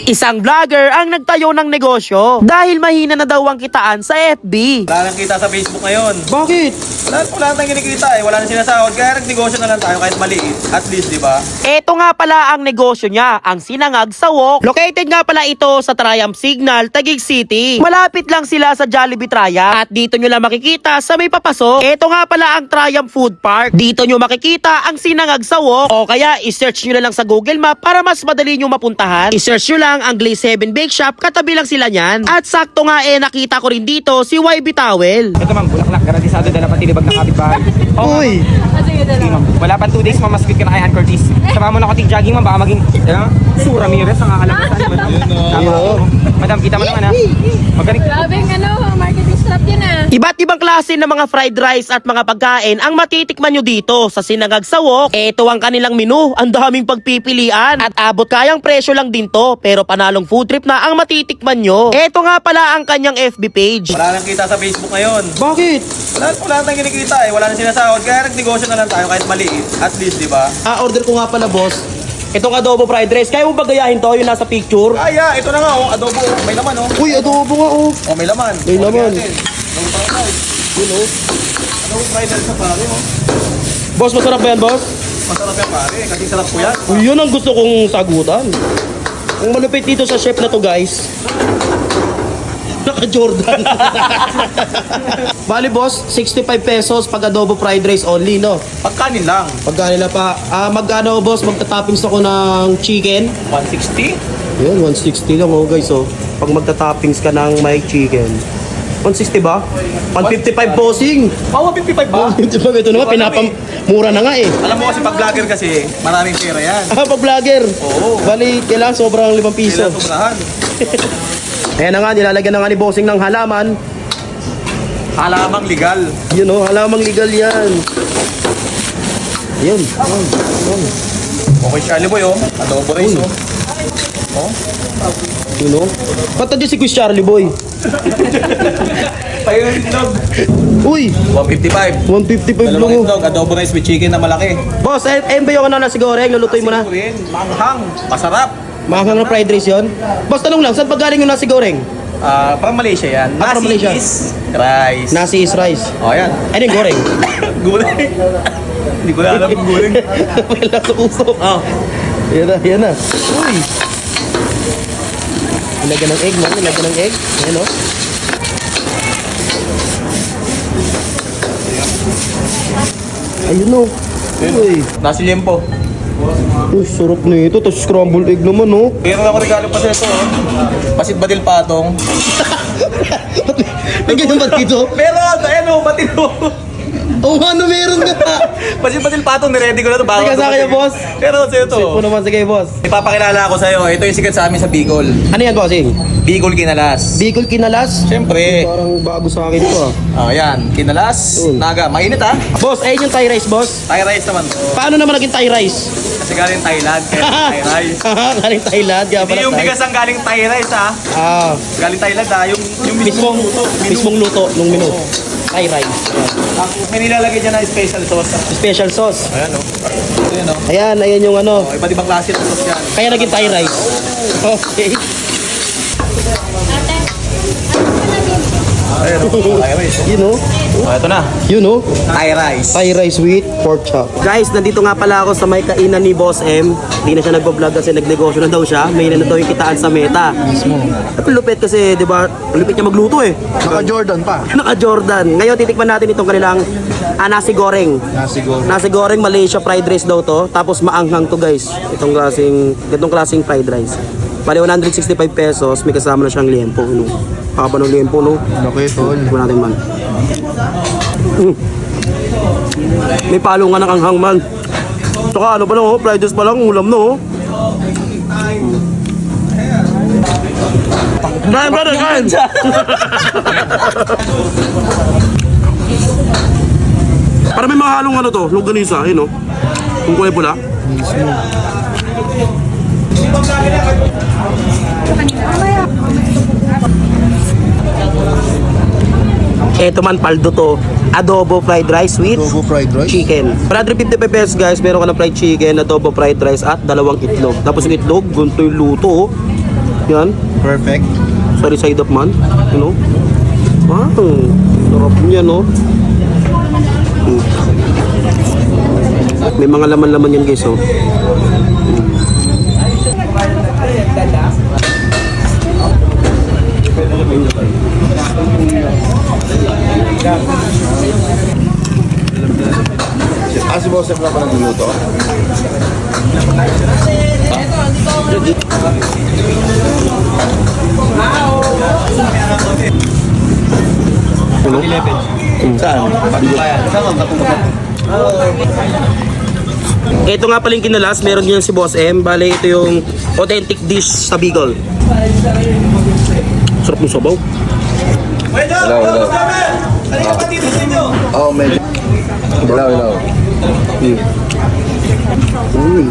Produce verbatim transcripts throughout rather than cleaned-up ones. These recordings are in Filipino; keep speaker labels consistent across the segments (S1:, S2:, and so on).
S1: Isang vlogger ang nagtayo ng negosyo dahil mahina na daw ang kitaan sa F B.
S2: Wala nang kita sa Facebook ngayon.
S1: Bakit?
S2: Wala, wala nang kinikita eh. Wala nang sinasahod. Kaya nagnegosyo na lang tayo kahit maliit. At least, di ba?
S1: Ito nga pala ang negosyo niya, ang Sinangag sa Wok. Located nga pala ito sa Triumph Signal, Taguig City. Malapit lang sila sa Jollibee Triumph at dito nyo lang makikita sa may papasok. Ito nga pala ang Triumph Food Park. Dito nyo makikita ang Sinangag sa Wok o kaya i-search nyo na lang sa Google Map para mas madali nyo mapuntahan. I-search nyo lang ang Glaze Heaven Bake Shop, katabi lang sila niyan. At sakto nga eh nakita ko rin dito si Y B Towel.
S3: Ito ma'am, bulaklak, garantisado dala pati libag ng kapitbahay. Oh,
S1: Uy!
S3: sige ma'am. Wala pa two days, ma'am, mas good ka na kay Ann Curtis. Sama mo na ko tig-jogging ma'am, baka maging, ano, Sue Ramirez ang kakalabasan. Tama ako. Madam, kita mo naman ha. Magaling.
S4: Grabe ang ano, marketing strap yun ah.
S1: Iba't ibang klase ng mga fried rice at mga pagkain ang matitikman nyo dito sa Sinangag sa Wok. Ito ang kanilang menu, ang daming pagpipilian at abot kayang presyo lang din to, pero panalong food trip na ang matitikman nyo. Ito nga pala ang kanyang F B page.
S2: Wala nang kita sa Facebook ngayon.
S1: Bakit?
S2: Wala, wala nang kinikita eh. Wala nang sinasahod. Kaya nagnegosyo na lang tayo kahit maliit. At least, di ba?
S1: Ah, order ko nga pala boss. Itong adobo fried rice, kaya mo ba gayahin to? Yung nasa picture?
S2: Kaya, ito na nga oh. Adobo. May laman oh.
S1: Uy, adobo nga oh.
S2: Oh, may laman.
S1: May laman.
S2: Okay, adobo fried rice. Yun oh. Adobo fried rice sa pare oh.
S1: Boss, masarap ba yan boss?
S2: Masarap yan pare. Kasi sarap ko yan.
S1: Uy, yun ang gusto kong sagutan. Ang malupit dito sa chef na to guys, naka-Jordan. Bali boss, sixty-five pesos pag adobo fried rice only, no?
S2: Pagkanin lang.
S1: Pagka nila pa, ah, magkano boss, magta-toppings ako ng chicken?
S2: one sixty?
S1: Yun, one sixty lang oh guys oh. Pag magta-toppings ka ng may chicken. one sixty ba? one fifty-five bossing.
S2: Oh, one fifty-five ba?
S1: one fifty-five, ito naman, pinapam... Mura na nga eh.
S2: Alam mo kasi pag vlogger kasi, maraming pera yan.
S1: Ah, pag vlogger.
S2: Oo.
S1: Bali, kailangan sobrang limang piso.
S2: Kailan sobrahan.
S1: Ayan na nga, nilalagyan na nga ni bossing ng halaman.
S2: Halamang legal.
S1: Yun oh, halamang legal yan. Yun. Yun. Yun.
S2: Okay, Charlie Boy oh. Adobo rice oh. Oh.
S1: Yun oh. Ba't nandiyan si Quiz Charlie Boy?
S2: Payo yung itlog.
S1: Uy,
S2: one fifty-five.
S1: one fifty-five lang
S2: Dalawang
S1: oh.
S2: itlog, adobo rice with chicken na malaki.
S1: Boss, ayun ayun ba yung ano na siguro? Lulutuin mo na.
S2: Rin, manghang, masarap.
S1: Mahangang na fried rice yun. Boss, tanong lang, saan pa galing yung nasi goreng?
S2: Ah, parang Malaysia yan.
S1: Ah, parang
S2: Nasi
S1: Malaysia.
S2: is rice.
S1: Nasi is rice.
S2: Oh, yan.
S1: Ano yung goreng?
S2: Gulay. Hindi ko na alam yung gulay.
S1: Wala sa usok.
S2: Oh.
S1: Yan na, yan na. Uy. Nilagyan ng egg, man. Nilagyan ng egg. Ayan o. Ayun o. Uy.
S2: Nasi liempo.
S1: Uy, sarap na ito. Tapos scrambled egg naman o.
S2: Meron ako regalo pa sa ito. Oh. Pasit badil patong.
S1: Nagyan ba dito?
S2: Meron! Ayan o, batil mo.
S1: Oo, ano meron nga?
S2: Pasit badil patong, niready ko na ito.
S1: Sige, sa akin, boss.
S2: Meron sa'yo ito.
S1: Sip mo naman, sige boss.
S2: Ipapakilala ako sa'yo. Ito yung sikat sa amin sa Bicol.
S1: Ano yan, bossing?
S2: Bicol Kinalas.
S1: Bicol Kinalas?
S2: Siyempre.
S1: Parang bago sa akin ito ah.
S2: Oh, yan. Kinalas.
S1: Mm.
S2: Naga. Mainit ha.
S1: Boss, ayun yung Thai rice, boss.
S2: Thai rice naman to.
S1: Paano naman naging Thai rice?
S2: Kasi galing Thailand. Kaya Thai rice.
S1: Galing Thailand, kaya
S2: Hindi
S1: pala
S2: yung
S1: Thai.
S2: bigas ang galing Thai rice ha.
S1: Ah,
S2: Galing Thailand ha. Yung, yung
S1: mismong,
S2: luto. Menu.
S1: mismong luto nung menu. Thai rice.
S2: Tapos may nilalagay dyan na special sauce.
S1: Special sauce.
S2: Ayan o. Ito yun o.
S1: Ayan, ayan yung ano.
S2: Oh, iba't ibang klase ng sauce yan.
S1: Kaya naging Thai rice. Okay.
S2: Ayan o. Thai rice. oh.
S1: Yun o.
S2: Oh, ito na.
S1: Yun o.
S2: Thai rice.
S1: Thai rice with pork chop. Guys, nandito nga pala ako sa may kainan ni Boss M. Hindi na siya nagbablog kasi nagnegosyo na daw siya. May na daw yung kitaan sa Meta. Mismo. At lupit kasi, di ba, lupit niya magluto eh.
S5: Naka-Jordan pa.
S1: Naka-Jordan. Ngayon, titikman natin itong kanilang ah, nasi goreng.
S5: Nasi goreng.
S1: Nasi goreng Malaysia fried rice daw to. Tapos maanghang to guys. Itong klaseng, itong klaseng fried rice. Bali one hundred sixty-five pesos. May kasama na siyang liempo. No? Pakaba ng liempo, no?
S5: Okay, tol.
S1: Tignan natin man. Mm. May palungan ng anghang man. Tsaka ano pa lang oh, fried rice pa lang, ulam no oh. Kain brother, kain! Para may mahalong ano to, longganisa, yun oh. Kung kulay pula. Eto man, paldo to. Adobo fried rice with
S5: Adobo fried rice.
S1: chicken. one hundred fifty-five pesos guys, meron ka ng fried chicken, adobo fried rice at dalawang itlog. Tapos yung itlog, gunto yung luto oh. Yan.
S2: Perfect.
S1: Sorry side up man. You know? Wow. Sarap niya, no? Mm. May mga laman-laman yan, guys, oh.
S2: Ah, si Boss na pala nagluluto.
S1: Ano?
S2: Saan?
S1: Ito nga pala yung kinalas, meron din yan si Boss M. Bale, ito yung authentic dish sa Bicol. Sarap ng sabaw.
S2: Hello, hello. Oh, medyo. Hello, hello.
S1: Mm.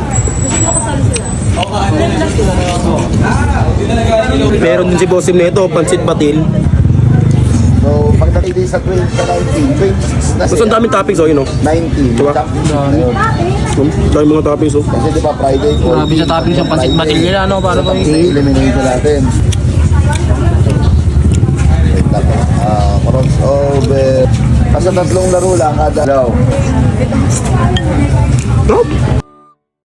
S1: Meron din si Boss M na ito, pansit batil.
S2: So, pagdating din sa twenty, sa nineteen, twenty-six na
S1: Tapos ang
S2: siya.
S1: daming toppings, oh, yun, oh.
S2: nineteen.
S1: Diba?
S2: Ayun.
S1: Ang daming mga toppings, oh.
S2: Kasi di ba Friday,
S5: Grabe sa toppings yung pansit batil nila, ano, para ba
S2: Sige, eliminate natin. Wait lang. Ah, crossover. Kasi tatlong laro lang kada. Hello.
S1: Oh.